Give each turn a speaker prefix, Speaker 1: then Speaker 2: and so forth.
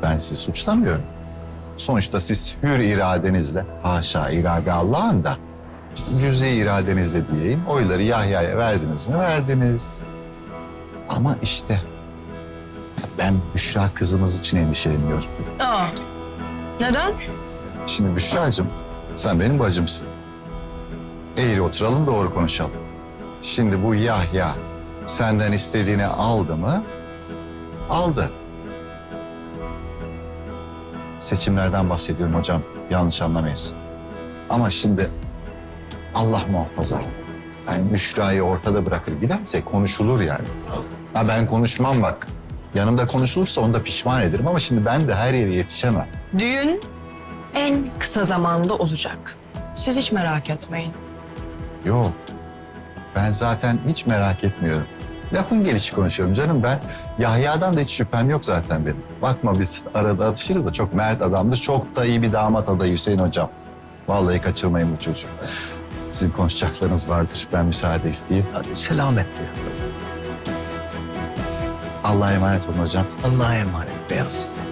Speaker 1: Ben sizi suçlamıyorum. Sonuçta siz hür iradenizle, haşa irade Allah'ın da, işte cüz'i iradenizle diyeyim, oyları Yahya'ya verdiniz mi? Verdiniz. Ama işte ben Büşra kızımız için endişeleniyorum.
Speaker 2: Aa, neden?
Speaker 1: Şimdi Büşra'cığım, sen benim bacımsın. Eğri oturalım, doğru konuşalım. Şimdi bu Yahya senden istediğini aldı mı? Aldı. Seçimlerden bahsediyorum hocam, yanlış anlamayız. Ama şimdi Allah muhafaza. Yani Büşra'yı ortada bırakır giderse konuşulur yani. Ha ben konuşmam bak. Yanımda konuşulursa onu da pişman ederim ama şimdi ben de her yere yetişemem.
Speaker 2: Düğün en kısa zamanda olacak. Siz hiç merak etmeyin.
Speaker 1: Yok. Ben zaten hiç merak etmiyorum. Lafın gelişi konuşuyorum canım ben. Yahya'dan da hiç şüphem yok zaten benim. Bakma biz arada atışırız da çok mert adamdır. Çok da iyi bir damat adayı Hüseyin hocam. Vallahi kaçırmayın bu çocuğu. Sizin konuşacaklarınız vardır. Ben müsaade isteyeyim.
Speaker 3: Hadi selametle.
Speaker 1: Allah'a emanet olun hocam.
Speaker 3: Allah'a emanet Beyaz.